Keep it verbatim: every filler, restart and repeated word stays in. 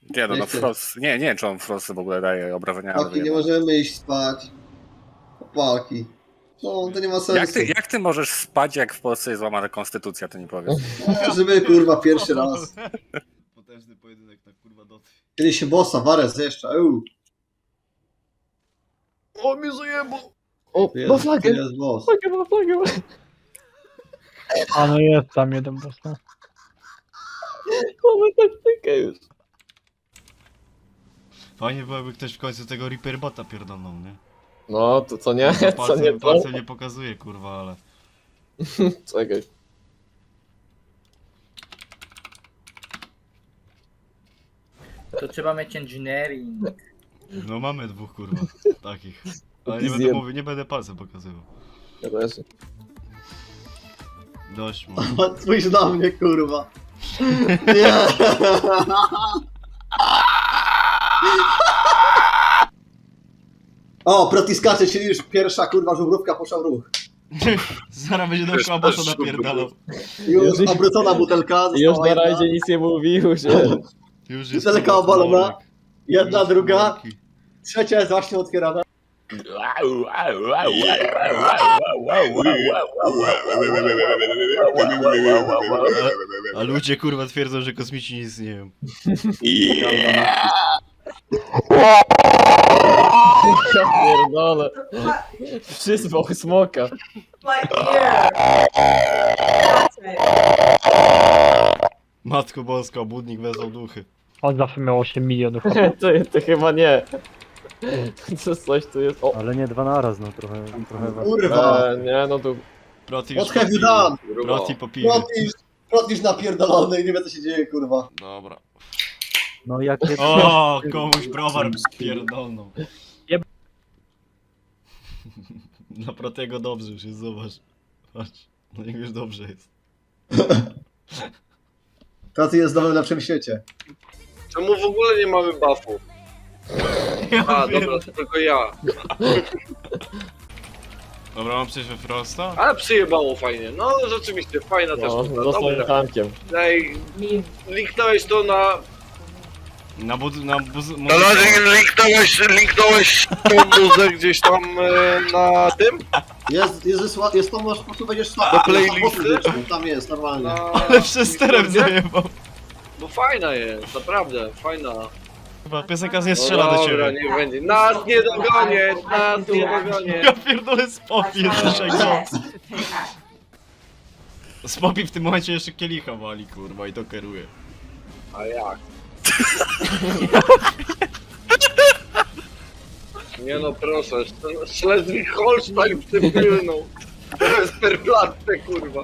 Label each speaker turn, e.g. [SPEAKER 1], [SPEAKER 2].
[SPEAKER 1] Nie no, no
[SPEAKER 2] chcę.
[SPEAKER 1] Frost, nie, nie wiem czy on Frost w ogóle daje obrażenia, ale
[SPEAKER 2] Chłopaki, nie
[SPEAKER 1] wiem.
[SPEAKER 2] możemy iść spać. Chłopaki. No, to nie ma
[SPEAKER 1] Jak
[SPEAKER 2] sensu.
[SPEAKER 1] ty, jak ty możesz spać, jak w Polsce jest złamana konstytucja, to nie powiesz.
[SPEAKER 2] E, żeby kurwa pierwszy raz.
[SPEAKER 3] Potężny pojedynek na kurwa doty.
[SPEAKER 2] Kiedy się bossa, warę zjeżdża. Euu.
[SPEAKER 3] O, mnie zajebał!
[SPEAKER 4] O,
[SPEAKER 2] To
[SPEAKER 4] ma
[SPEAKER 2] jest,
[SPEAKER 4] flagę!
[SPEAKER 2] to jest boss.
[SPEAKER 4] Flagę, ma flagę!
[SPEAKER 5] A no jest tam jeden boss, no.
[SPEAKER 4] Mamy taktykę już.
[SPEAKER 3] Fajnie byłoby ktoś w końcu tego Reaper bota pierdolnął, nie?
[SPEAKER 4] No, to co nie?
[SPEAKER 3] To
[SPEAKER 4] Co nie
[SPEAKER 3] palcem,
[SPEAKER 4] to?
[SPEAKER 3] palcem nie pokazuje, kurwa, ale...
[SPEAKER 4] Czekaj.
[SPEAKER 6] To trzeba mieć engineering.
[SPEAKER 3] No mamy dwóch, kurwa, takich. Ale nie
[SPEAKER 4] Pizjem.
[SPEAKER 3] będę mówił, nie będę palcem pokazywał.
[SPEAKER 4] Ja też.
[SPEAKER 3] Dość mu.
[SPEAKER 2] Spójrz na mnie, kurwa. Nie. O, protiskacze, czyli już pierwsza kurwa żubrówka poszła w ruch.
[SPEAKER 3] Zaraz będzie dookoła bossa napierdalał.
[SPEAKER 2] Już
[SPEAKER 4] Już-
[SPEAKER 2] obrócona butelka.
[SPEAKER 4] Już
[SPEAKER 2] została
[SPEAKER 4] na
[SPEAKER 2] jedna.
[SPEAKER 4] rajdzie nic nie mówił, że...
[SPEAKER 3] Już jest
[SPEAKER 2] Butelka
[SPEAKER 3] kurwa,
[SPEAKER 2] obalona.
[SPEAKER 3] komorek.
[SPEAKER 2] Jedna,
[SPEAKER 3] Już
[SPEAKER 2] druga.
[SPEAKER 3] komorki.
[SPEAKER 2] Trzecia jest właśnie otwierana.
[SPEAKER 3] A ludzie kurwa twierdzą, że kosmici nie istnieją.
[SPEAKER 4] Ja pierdolę. Przyzwał smoka.
[SPEAKER 7] My ear. That's it.
[SPEAKER 3] Matko Boska, budnik wezwał duchy.
[SPEAKER 5] On zawsze miał osiem milionów.
[SPEAKER 4] to, to chyba nie. Co coś tu jest? O,
[SPEAKER 8] Ale nie dwa naraz, no trochę, trochę was.
[SPEAKER 2] Kurwa.
[SPEAKER 4] e, nie no tu...
[SPEAKER 3] Proti już
[SPEAKER 2] What have you
[SPEAKER 3] po
[SPEAKER 2] done?
[SPEAKER 3] piwie. Proti po piwie.
[SPEAKER 2] Protisz, protisz napierdolony i nie wie co się dzieje, kurwa.
[SPEAKER 3] Dobra.
[SPEAKER 8] No jakie...
[SPEAKER 3] O, komuś browar pierdolną.
[SPEAKER 5] Jeb-
[SPEAKER 3] Dla Protiego dobrze już jest, zobacz. Patrz, no niech już dobrze jest.
[SPEAKER 2] Proti jest w nowym lepszym świecie.
[SPEAKER 9] Czemu w ogóle nie mamy buffu? A, dobra, to tylko ja.
[SPEAKER 3] Dobra, mam przejść we Frosta?
[SPEAKER 9] Ale przyjebało fajnie. No rzeczywiście, fajna też
[SPEAKER 4] No,
[SPEAKER 9] muza.
[SPEAKER 4] został
[SPEAKER 9] Dobra.
[SPEAKER 4] tankiem.
[SPEAKER 9] Ej, linknąłeś to na...
[SPEAKER 3] Na bud... na buz...
[SPEAKER 9] Na razie linknąłeś, linknąłeś tą muzę gdzieś tam e, na tym?
[SPEAKER 2] Jest, jest, wysła, jest to, możesz po prostu będziesz szła.
[SPEAKER 9] Do playlisty?
[SPEAKER 2] Tam jest, normalnie.
[SPEAKER 9] Na...
[SPEAKER 3] Ale przesterem zajebał.
[SPEAKER 9] Bo fajna jest, naprawdę, fajna.
[SPEAKER 3] Chyba piosenka nie strzela
[SPEAKER 9] no
[SPEAKER 3] do
[SPEAKER 9] dobra,
[SPEAKER 3] ciebie.
[SPEAKER 9] niech będzie. Nas nie dogonię, nas nie dogonię.
[SPEAKER 3] Ja pierdolę Spopi, jeszcze go. Spopi w tym momencie jeszcze kielicha wali, kurwa, i to kieruje.
[SPEAKER 9] A jak? Nie no proszę, Schleswig-Holstein w tym pilną. Westerplatte, kurwa.